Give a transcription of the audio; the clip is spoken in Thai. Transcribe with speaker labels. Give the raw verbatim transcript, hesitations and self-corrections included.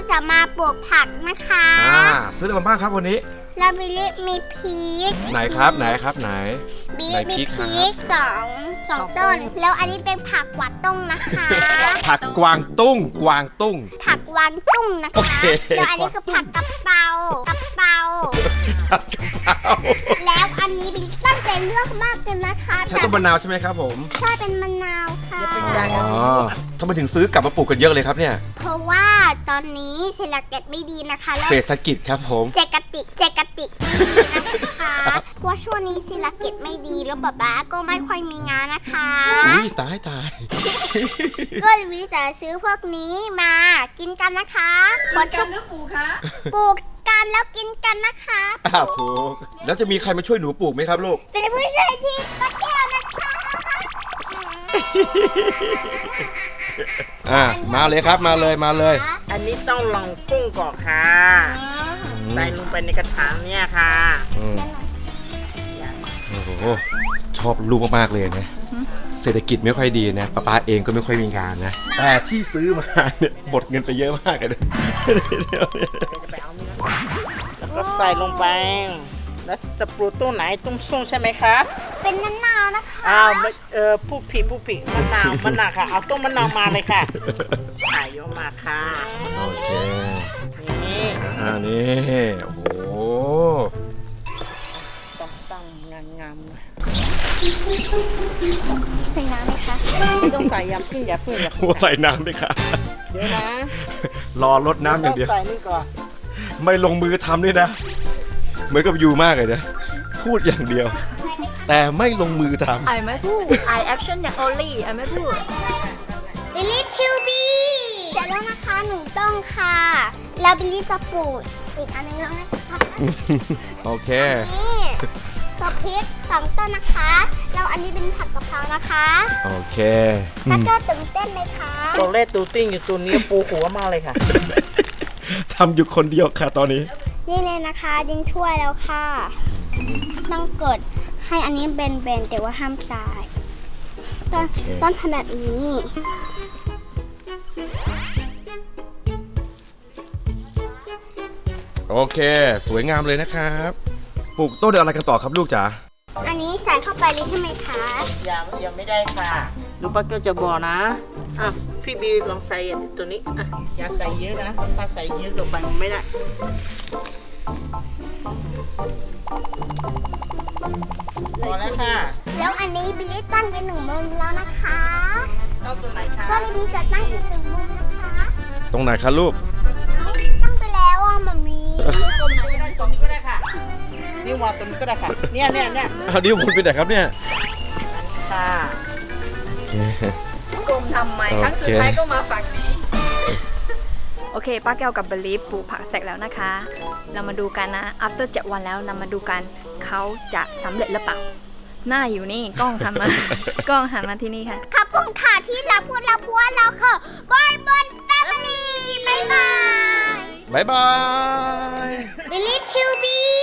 Speaker 1: จะมาปลูกผักนะคะ
Speaker 2: อ่าซื้ออะไรมาบ้างครับวันนี้
Speaker 1: เราบิลลี่มีพริก
Speaker 2: ไหนครับไหนครับไหน
Speaker 1: บิลลี่มีพริกสองสองต้นแล้วอันนี้เป็นผักกวาดตุ้งนะคะ
Speaker 2: ผักกวางตุ้งกวางตุ้ง
Speaker 1: ผักกวางตุ้งนะคะแล้วอันนี้คือผักกะเพรากะเพราแล้วอันนี้บิลลี่ตั้งใจเลือกมากเลยนะคะ
Speaker 2: ใช่ต้นมะนาวใช่ไหมครับผม
Speaker 1: ใช่เป็นมะนาวค่ะ
Speaker 2: อ๋อทำไมถึงซื้อกลับมาปลูกกันเยอะเลยครับเนี่ย
Speaker 1: เพราะว่าตอนนี้เศรษฐกิจไม่ดีนะคะ
Speaker 2: เศรษฐกิจครับผม
Speaker 1: เศรษฐกิจเศรษฐกิจนะคะเพราะช่วงนี้เศรษฐกิจไม่ดีแล้วป๊าป๊าก็ไม่ค่อยมีงานนะคะ
Speaker 2: อุ้ยตายตาย
Speaker 1: ก็เลยวิจะซื้อพวกนี้มากินกันนะคะ
Speaker 3: กินกันหรือปลูกคะ
Speaker 1: ปลูกกันแล้วกินกันนะคะ
Speaker 2: อ้าวถูกแล้วจะมีใครมาช่วยหนูปลูกไหมครับลูก
Speaker 1: เป็นผู้ช่วยที่ป้าแก้วนะคะ
Speaker 2: อ่ามาเลยครับมาเลยมาเลย
Speaker 3: อันนี้ต้องลองกุ้งก่อนค่ะใส่ลงไปในกระถางเนี่ยค่ะ
Speaker 2: โอ้โหชอบลูกมากๆเลยนะเศรษฐกิจไม่ค่อยดีนะป้าป้าเองก็ไม่ค่อยมีงานนะแต่ที่ซื้อมาเนี่ยหมดเงินไปเยอะมากเลย
Speaker 3: แล้วก็ใส่ลงไปแล้วจะปลูกต้นไหนต้นส้มใช่ไหมคะ
Speaker 1: เป็นมะนาวนะคะ
Speaker 3: อ้าวเออผู้ผิดผู้ผิดมะนาวมะนาวค่ะเอาต้นมะนาวมาเลยค่ะใส่เยอะมากค่ะ
Speaker 2: โอเค
Speaker 3: นี่
Speaker 2: อ่านี่โอ้โห
Speaker 3: ต้องตั้งงามงาม
Speaker 1: ใส่น้ำไหมคะ
Speaker 3: ไม่ต้องใส่ยำพึ่งอย่าพึ่งอย่าพึ่ง
Speaker 2: ใส่น้ำด้วยค่ะ
Speaker 3: เดี๋ยวนะ
Speaker 2: รอรดน้ำอย่างเดียว
Speaker 3: ใส่นี่ก่อน
Speaker 2: ไม่ลงมือทำด้วยนะเหมือนกับยูมากเลยนะพูดอย่างเดียวแต่ไม่ลงมือทำ
Speaker 4: ไอไม่พูดไอแอคชั่นอย่างโอลี่ไอไม่พูด
Speaker 1: บิลลี่คิวบีเสร็จแล้วนะคะหนูต้องค่ะแล้วบิลลี่จะปลูกอีกอันนึงแล้วนะคะ
Speaker 2: โอเค
Speaker 1: นี่ตัวพริกสองต้นนะคะแล้วอันนี้เป็นผักกะเพรานะคะ
Speaker 2: โอเค
Speaker 1: ถ้าเกิดตื่นเต้นไหมคะ
Speaker 3: ตัวเล็กตัวติ้งอยู่ตัวนี้ปูหัวมากเลยค่ะ
Speaker 2: ทำอยู่คนเดียวค่ะตอนนี้
Speaker 1: นี่เลยนะคะดินช่วยแล้วค่ะต้องกดให้อันนี้เบนๆแต่ว่าห้ามตายต้องต้องทำแบบนี้
Speaker 2: โอเคสวยงามเลยนะครับปลูกต้นอะไรกันต่อครับลูกจ๋า
Speaker 1: อันนี้ใส่เข้าไปเลยใช่ไหมคะ
Speaker 3: ยังยังไม่ได้ค่ะลูกป้าก็จะบอกนะอ่ะพี่บีลองใส่ตัวนี้อ่ะอย่าใส่เยอะนะถ้าใส่เยอะกับไปมันไม่ได้พอแล้วค่ะ
Speaker 1: แล้วอันนี้บิลลี่ตั้งเป็นหนึ่งมุมแล้วนะคะ
Speaker 3: ตั้งตรงไหนคะ
Speaker 1: ก็บิลลี่จะตั้งอีกหนึ่งมุมนะคะ
Speaker 2: ตรงไหนคะลูก
Speaker 1: ตั้งไปแล้วอ่ะมามี
Speaker 3: ตรงไหนก็ได้ตรงนี้ก็ได้ค่ะนี่วางตรงนี้ก็ได้ค่ะเนี่ยเนี่ยเนี่ย
Speaker 2: เอาดิวคุณไปไหนครับเนี่ย
Speaker 3: ค่ะ
Speaker 4: กลมทำไมครั้งสุดท้ายก็มาฝั่งนี้โอเคป้าแก้วกับเบลลี่ปลูกผักเสร็จแล้วนะคะเรามาดูกันนะ after เจ็ดวันแล้วเรามาดูกันเขาจะสำเร็จหรือเปล่าหน้าอยู่นี่กล้องหันมากล้องหันมาที่นี่ค่ะ
Speaker 1: ขอบคุณค่ะที่เราพูดเราพูดเราคือบอยบอนแฟมิลี่บ๊ายบาย
Speaker 2: บ๊ายบาย
Speaker 1: บิลลี่คิวบี